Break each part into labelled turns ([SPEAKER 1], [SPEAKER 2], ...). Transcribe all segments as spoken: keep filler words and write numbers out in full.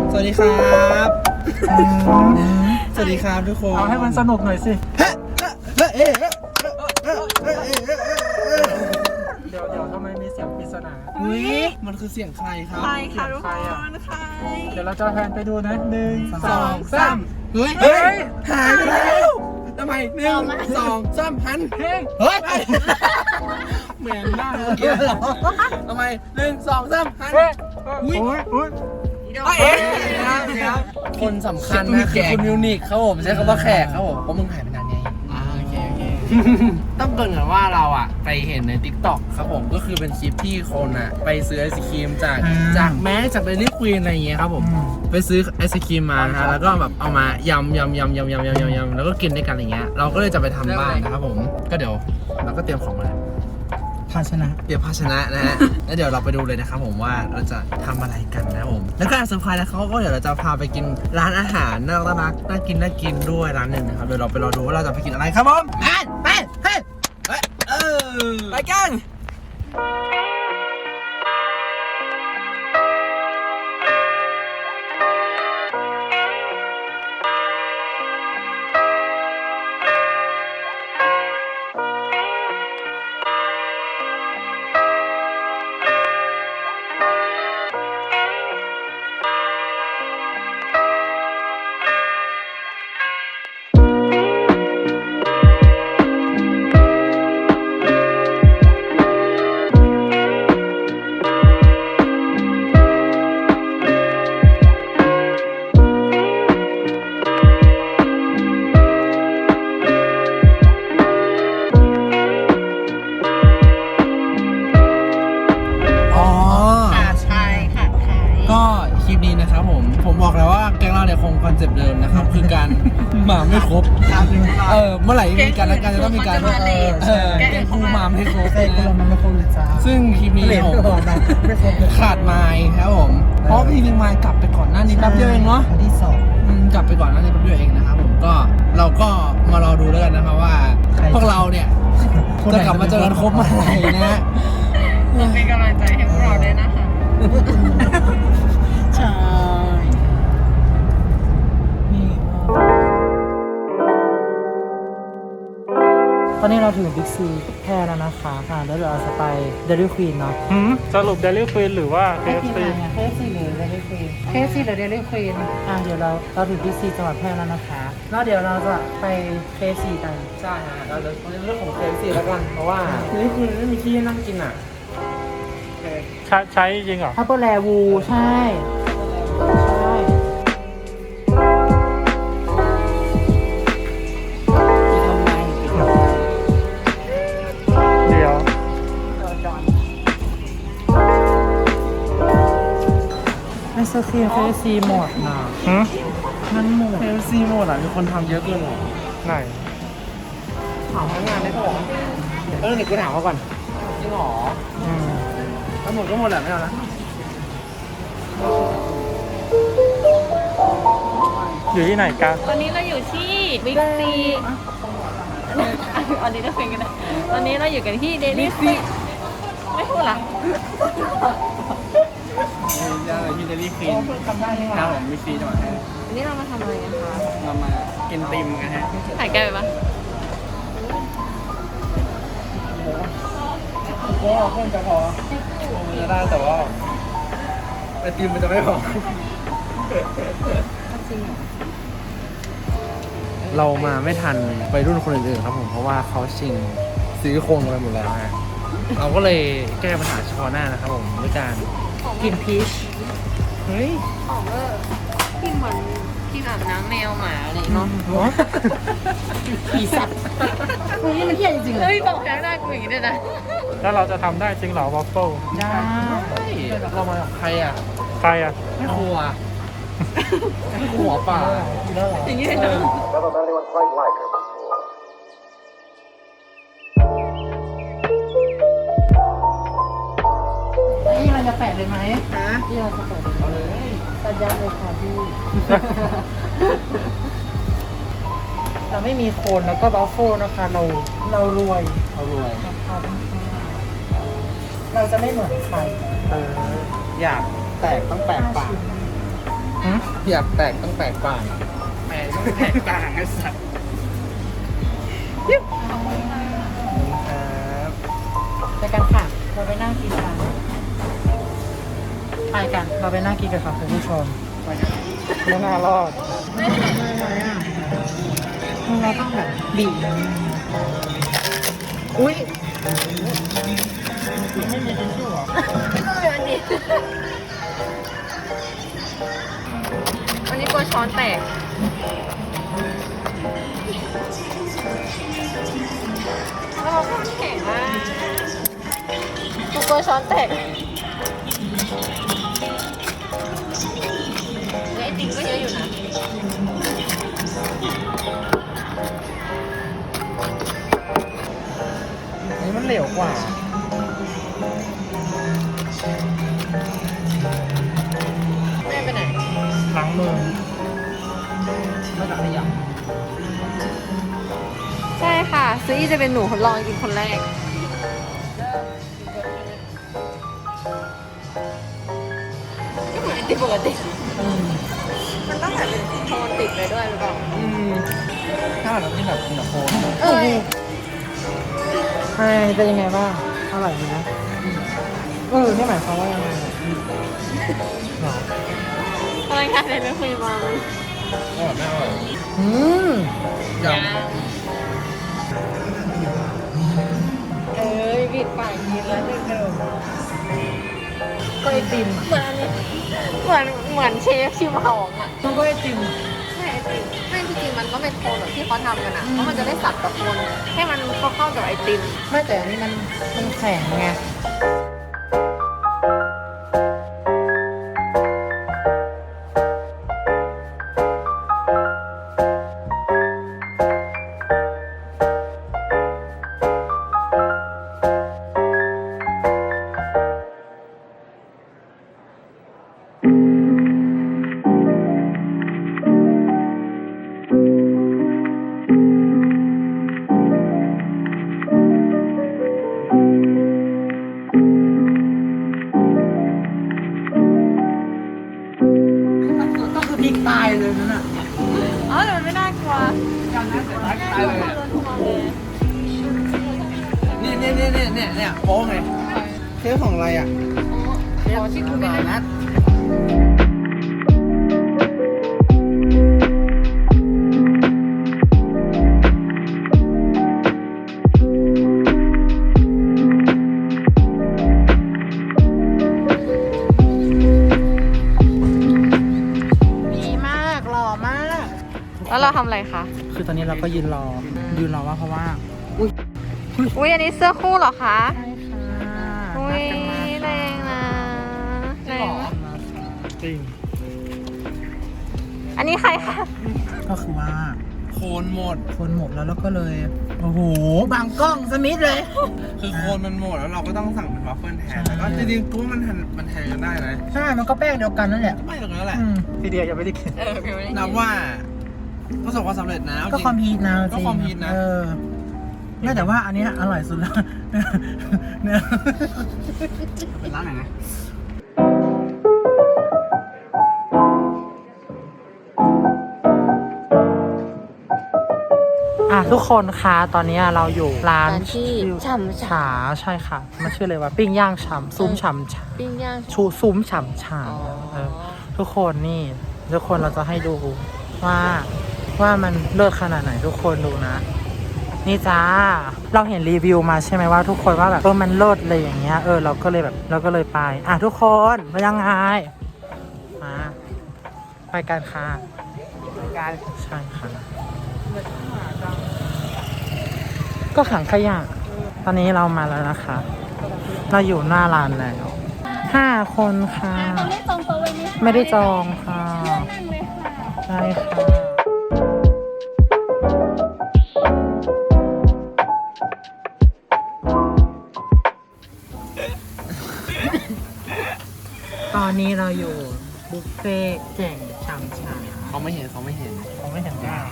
[SPEAKER 1] สวัสดีครับสวัสดีครับทุกคน
[SPEAKER 2] เอาให้มันสนุกหน่อยสิเดี๋ยวเดี๋ยวทำไมมีเสียงปริศนา
[SPEAKER 1] อุ้ยมันคือเสียงใครครับ
[SPEAKER 3] ใครค่ะทุกคนใคร
[SPEAKER 2] เดี๋ยวเราจะแพนไปดูนะหนึ่ง
[SPEAKER 1] สองสามเฮ้ยเฮ้ยหายไปแล้วทำไมหนึ่งสองสามหันเฮ้ยเฮ้ยเหมือนหน้าเมื่อกี้เหรอทำไมหนึ่งสองสามหันอุ้ยอุ้ยคนสำคัญนะคือคุณมิวนิกครับผมใช้คำว่าแขกครับผมเพราะมึงหายไปนานไงโอเคโอเคต้องเกริ่นก่อนว่าเราอ่ะไปเห็นใน ติ๊กต็อก ครับผมก็คือเป็นคลิปที่คนอ่ะไปซื้อไอศครีมจากจากแม้จากเดลี่ควีนอะไรอย่างเงี้ยครับผมไปซื้อไอศครีมมานะแล้วก็แบบเอามายำยำยำยำยำยำยำแล้วก็กินด้วยกันอะไรเงี้ยเราก็เลยจะไปทำบ้านนะครับผมก็เดี๋ยวเราก็เตรียมของมาภาชนะเตรียมภาชนะนะฮะแล้วเดี๋ยวเราไปดูเลยนะครับผมว่าเราจะทำอะไรกันนะผมแล้วก็เซอร์ไพรส์แล้วเขาก็เดี๋ยวเราจะพาไปกินร้านอาหารน่ารักน่ากินน่ากินด้วยร้านหนึ่งนะครับเดี๋ยวเราไปรอดูว่าเราจะไปกินอะไรครับผมไปไปไปเออไปกันผมบอกแล้วว่าแก๊งเราเนี่ยคงคอนเซปต์เดิมนะครับคือการหมาไม่ครบเออเมื่อไหร่มีการแล้วกันจะต้องมีการเออแก๊งคู่มาไม่ครบนะซึ่งคลิปนี้ผมขาดไม้ครับผมเพราะพี่ลิงไม้กลับไปก่อนหน้านี้แป๊บเดียวเองเนาะที่สองกลับไปก่อนหน้านี้แป๊บเดียวเองนะครับผมก็เราก็มารอดูแล้วกันนะครับว่าพวกเราเนี่ยจะกลับมาเจอกันครบเมื่อไหร่นะ
[SPEAKER 3] เป็นกำลังใจให้พวกเราด้วยนะคะใช่
[SPEAKER 4] ตอนนี้เราถึงบิ๊กซีแพร่แล้วนะคะค่ะแล้วเดี๋ยวเราจะไปเดลิควีนเนาะ
[SPEAKER 2] สรุปเดลิควีนหรือว่า เค เอฟ ซี
[SPEAKER 4] เค เอฟ ซี หรือเดลิควีน เค เอฟ ซี หรือเดลิควีนอ่ะเดี๋ยวเราเราถึงบิ๊กซีจังหวัดแพร่แล้วนะคะแล้วเดี๋ยวเราจะไป เค เอฟ ซี กัน
[SPEAKER 1] ใช่ฮะเราจะเรื่องของ เค เอฟ ซี แล้วกันเพราะว่าเดลิควีนไม่มีที่นั่งกินอ่ะ
[SPEAKER 2] ใช้ใช้จริงเหรอ
[SPEAKER 4] ฮับเปอร์แลวูใช่ใช่ไอศครีม เค เอฟ ซี หมดนะมันหมด
[SPEAKER 1] เค เอฟ ซี หมดอ่ะมีคนทำเยอะเกินหรอ
[SPEAKER 2] ไหน
[SPEAKER 1] ถามพนักงานได้ป่ะเออเดี๋ยวกูถามเขาก่อนจริงหรออืมถ้าหมดก็หมดแหละไม่เอานะ
[SPEAKER 2] อยู่ที่ไหนกัน
[SPEAKER 3] ตอนนี้เราอยู่ที่บิ๊กซีอันนี้เราคุยกันนะตอนนี้เราอยู่กันที่เดลี่ซีไม่พูดหรอ
[SPEAKER 1] ย่างที่เดลี่ควีนครับผมบิ๊กซีจังหวัดแพร่
[SPEAKER 3] วันนี้เรามาทำอะไรกันคะ
[SPEAKER 1] เรามากินติมกันฮะ
[SPEAKER 3] ถ่ายไกลไปปะ
[SPEAKER 1] ก็เพื่อนจะพอจะได้แต่ว่าไอติมมันจะไม่พอเรามาไม่ทันไปรุ่นคนอื่นๆครับผมเพราะว่าเขาชิงซื้อโครงกันไปหมดแล้วฮะเราก็เลยแก้ปัญหาเฉพาะหน้านะครับผมด้วยการกินพีชเฮ้ย
[SPEAKER 3] ของเออที่เหมือนที่อาบน้ำแมวหมาอะไรเนาะ
[SPEAKER 4] ผีสัตว์เฮ้ยมันเที่ยจริงๆเลย
[SPEAKER 3] เฮ้ยบอกแค่หน้ากูอย่างนี้ด้วยนะ
[SPEAKER 2] แล้วเราจะทำได้จริงเหรอวอฟเฟิล
[SPEAKER 4] ได้
[SPEAKER 1] เรามากับใครอ่ะ
[SPEAKER 2] ใครอ่ะ
[SPEAKER 1] ไม่ครัวไม่ครัวป่า
[SPEAKER 3] อย่างนี้เลยเนาะ
[SPEAKER 4] นี่เราจะแปะเลยไหมฮะนี่เราจะแปะเลยสัญญาเลยค่ะพี่เราไม่มีโคนแล้วก็บัฟเฟิลนะคะเราเรารวย
[SPEAKER 1] เรารวย
[SPEAKER 4] เราจะไม่เหมือนใคร
[SPEAKER 1] เอออยากแตกต้องแตกปาก
[SPEAKER 4] หืม
[SPEAKER 1] อยากแตกต้องแตกต่างแตกต้องแตกต่างไอ้สัตว์ครับ
[SPEAKER 4] ไปกันค่ะ เราไปนั่งกินกันไปกัน เราไปนั่งกินกันค่ะคุณผู้ชม
[SPEAKER 2] ไม่น่ารอด
[SPEAKER 4] เราต้องแบบบีบอุ้ย
[SPEAKER 2] ไม่มีทิชชู่หรอ
[SPEAKER 3] วันนี้กลัวช้อนแตกเราข้างแข็งมากกูกลัวช้อนแตกไอติมก็เยอะอยู่นะ
[SPEAKER 1] อันนี้มันเหลวกว่า
[SPEAKER 3] แม่ไปไหน
[SPEAKER 2] ล้างมือ
[SPEAKER 1] ไม่ตักขยะ
[SPEAKER 3] ใช่ค่ะ ซื้ออีจะเป็นหนูทดลองกินคนแรก ก็เหมือนไอติมปกติ มันต้องแบบเป็นโทนติดไปด้วยหรือเปล่า
[SPEAKER 1] อืมถ้าเรากินแบบกินแบบโคน
[SPEAKER 3] เอ้ย
[SPEAKER 4] ใช่เป็นยังไงบ้าง อร่อยไหมเออนี่หมายความว่ายังไงหรอ
[SPEAKER 3] อะไรกันเนี่ยไม่คุยมา
[SPEAKER 1] อร่อยไม่อร่อย
[SPEAKER 4] อืม
[SPEAKER 1] ย
[SPEAKER 3] เอ้ยบิดปากกินแล้วหนึ่งกระโดด
[SPEAKER 4] ก็ไอติม
[SPEAKER 3] เหมือนอันนี้เหมือนเหมือนเชฟชิมของอ่ะ
[SPEAKER 4] มันก็ไอติม
[SPEAKER 3] ใช่ไอติมไม่จริงๆมันต้องเป็นโคนแบบที่เขาทำกันอ่ะเพราะมันจะได้สับกับโคนให้มันเข้าๆกับไอติม
[SPEAKER 4] ไม่แต่อันนี้มันมันแข็งไง ก็คือพริกตายเลยนั่นน่ะ
[SPEAKER 3] อ๋อแต่มันไม่น่ากลัว
[SPEAKER 1] อย่างนั้นแต่ทักตายเลยอะเนี่ยเนี่ยเนี่ยเนี่ยเนี่ยเนี่ยโป๊ไงเทปของอะไรอ่ะ
[SPEAKER 3] ขอที่คุณไม่ได้
[SPEAKER 1] นัด
[SPEAKER 4] ดีมากหล่อมาก
[SPEAKER 3] แล้วเราทำอะไรคะ
[SPEAKER 4] คือตอนนี้เราก็ยืนรอ ยืนรอว่าเพราะว่า
[SPEAKER 3] อุ้ยอันนี้เสื้อคู่เหรอคะ
[SPEAKER 4] ใช่ค่ะ
[SPEAKER 3] อุ้
[SPEAKER 4] นั
[SPEAKER 3] ย
[SPEAKER 4] ดกันมา
[SPEAKER 3] แรงนะแรงนะ
[SPEAKER 2] จริง
[SPEAKER 3] อันนี้ใครคะ
[SPEAKER 4] ก็คือว่า
[SPEAKER 1] โคนหมด
[SPEAKER 4] คนหมดแล้วเราก็เลย โอ้โห บางกล้องสมิธเลย
[SPEAKER 1] คือโคนมันหมดแล้วเราก็ต้องสั่งเป็นวัฟเฟิลแทนแต่ก็จริงๆกูว่ามันแทนมันแทนกันได้นะ
[SPEAKER 4] ใช่ มันก็แป้งเดียวกันนั่นแหละ
[SPEAKER 1] ไม่ตรงนั้นแหละ
[SPEAKER 4] อืมพี่เดียยังไม่ได้กิน
[SPEAKER 3] เออเพียวไม่ได้
[SPEAKER 1] นับว่าประสบความสำเร็จนะ
[SPEAKER 4] ก็
[SPEAKER 1] จริง
[SPEAKER 4] ความพีทนะ
[SPEAKER 1] ก็ความพีทนะ
[SPEAKER 4] เออไม่แต่ว่าอันเนี้ยอร่อยสุดแล้วเนี่ย
[SPEAKER 1] เป็นร้านไหนนะ
[SPEAKER 4] อ่ะทุกคนคะตอนนี้เราอยู่ร้าน
[SPEAKER 3] ร้านที่ฉ่ำ
[SPEAKER 4] ฉาใช่ค่ะ มันชื่ออะไรวะปิ้งย่างฉ่ำซุ้มฉ่ำฉา
[SPEAKER 3] ปิ้งย่าง
[SPEAKER 4] ชูซุ้มฉ่ำฉา
[SPEAKER 3] อ๋อ
[SPEAKER 4] เออทุกคนนี่ทุกคนเราจะให้ดูว่าว่ามันเลิศขนาดไหนทุกคนดูนะ นี่จ้าเราเห็นรีวิวมาใช่ไหมว่าทุกคนว่าแบบเออมันเลิศเลยอย่างเงี้ยเออเราก็เลยแบบเราก็เลยไปอ่ะทุกคนมายังไงมาไปกันค่ะไปกันใช่ค่ะก็ขังขยะตอนนี้เรามาแล้วนะคะ เราอยู่หน้าร้านแล้วห้าคนค่ะ
[SPEAKER 3] ไม่ได้จองโต๊ะไว้ไหมคะ
[SPEAKER 4] ไม่ได้จองค่ะ
[SPEAKER 3] นั่งเลยค่ะ
[SPEAKER 4] ใช่ค่ะตอนนี้เราอยู่บุฟเฟ่ต์แจ่งชามชา
[SPEAKER 1] เขาไม่เห็นเขาไม่เห็น
[SPEAKER 4] เขาไม่เห็นว่า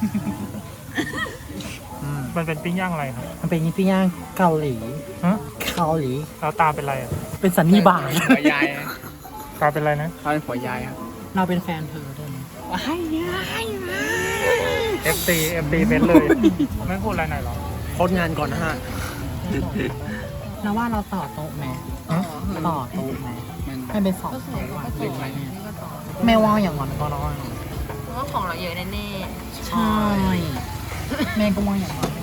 [SPEAKER 4] อืม
[SPEAKER 2] มันเป็นปิ้งย่างอะไรครับ
[SPEAKER 4] มันเป็นปิ้งย่างเกาหลีฮะเกาหลี
[SPEAKER 2] แล้วตาเป็นอะไรอ่ะ
[SPEAKER 4] เป็นสันนิบาต
[SPEAKER 1] หัวยาย
[SPEAKER 2] ตาเป็นอะไรนะ
[SPEAKER 1] เขาเป็นหัวยายครับ
[SPEAKER 4] เราเป็นแฟนเธอด้วยนะว้ายว้ายว้าย
[SPEAKER 2] เอฟซีเอฟซีเป็นเลยไม่พูดอะไรหน่อยหรอ
[SPEAKER 1] โคตรงานก่อนนะฮะ
[SPEAKER 4] แล้วว่าเราต่อโต๊ะไหมต่อโต๊ะไหมให้เป็นสอง
[SPEAKER 3] ก็สวยก็สวยนี่ก็ต่อ
[SPEAKER 4] ไม่ว่าอย่างนั้นก็ได้
[SPEAKER 3] เพราะว่าของเราเยอะแน่
[SPEAKER 4] ใช่แม่ก็ว่าอย่างนั้น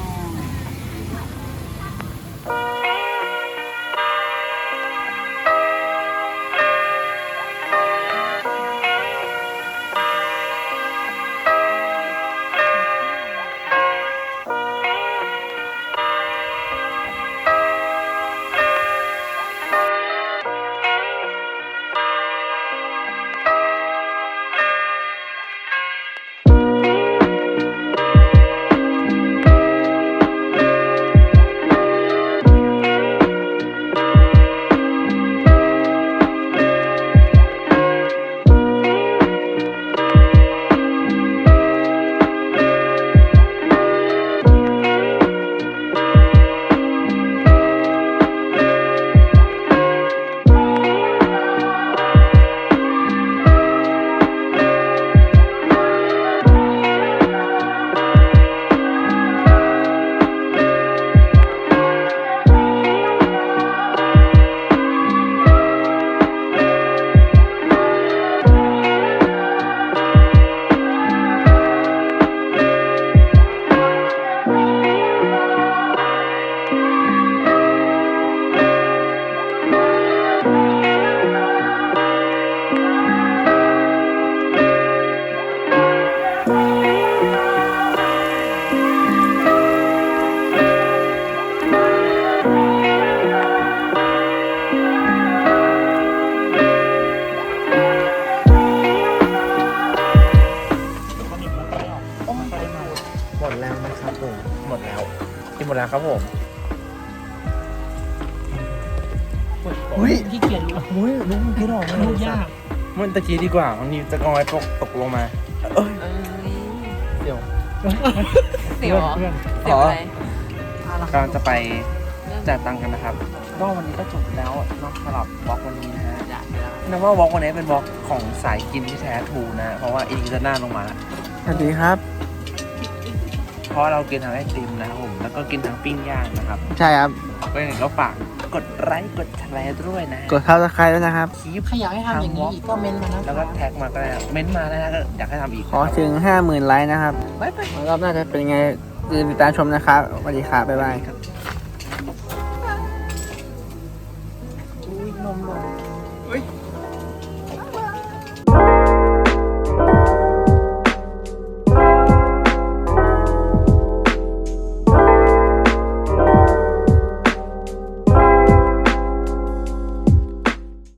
[SPEAKER 1] หมดแล้วนะครับผมหมดแล้วกินหมดแล้วครับผม
[SPEAKER 4] อุ้ยพี่เกียรรู้
[SPEAKER 1] อุ้ยลุกมันคิดออกไหม
[SPEAKER 4] ลูกยาก
[SPEAKER 1] มันตะกี้ดีกว่ามันมีจะกอยตกตกลงมา เอ้ย
[SPEAKER 3] ๆเอ้ย
[SPEAKER 1] เดี๋ยว
[SPEAKER 3] เสียวเหรอ
[SPEAKER 2] เพื่อน
[SPEAKER 3] เสียวอะไร
[SPEAKER 1] กำลังจะไปจ่ายตังค์กันนะครับก็วันนี้ก็จบแล้วเนอกสำหรับบล็อกวันนี้นะฮะนึกว่าบล็อกวันนี้เป็นบล็อกของสายกินที่แท้ทรูนะ เพราะว่าอีกจะหน้าลงมาแล้ว
[SPEAKER 4] สวัสดีครับ
[SPEAKER 1] เพราะเรากินทั้งไอติมนะครับผมแล้วก็กินทั้งปิ้งย่างนะครับ
[SPEAKER 4] ใช่ครับ
[SPEAKER 1] ก็อย่างไรก็ฝากกดไลค์กดแชร์ด้วยนะ
[SPEAKER 4] กดซับสไครต์ด้วยนะครับ
[SPEAKER 1] คลิป
[SPEAKER 4] ใครอยากให้ทำอย่างนี้อีกก็เมนต์มานะ
[SPEAKER 1] แล้วก็แท็กมาก็ได้เม้นต์มาได้นะก็อยากให้ทำอีก
[SPEAKER 4] ขอถึงห้าหมื่นไลค์นะครับ
[SPEAKER 1] บ๊ายบาย
[SPEAKER 4] รอบหน้าจะเป็นไงติดตามชมนะครับสวัสดีครับบ๊ายบาย
[SPEAKER 1] ครับ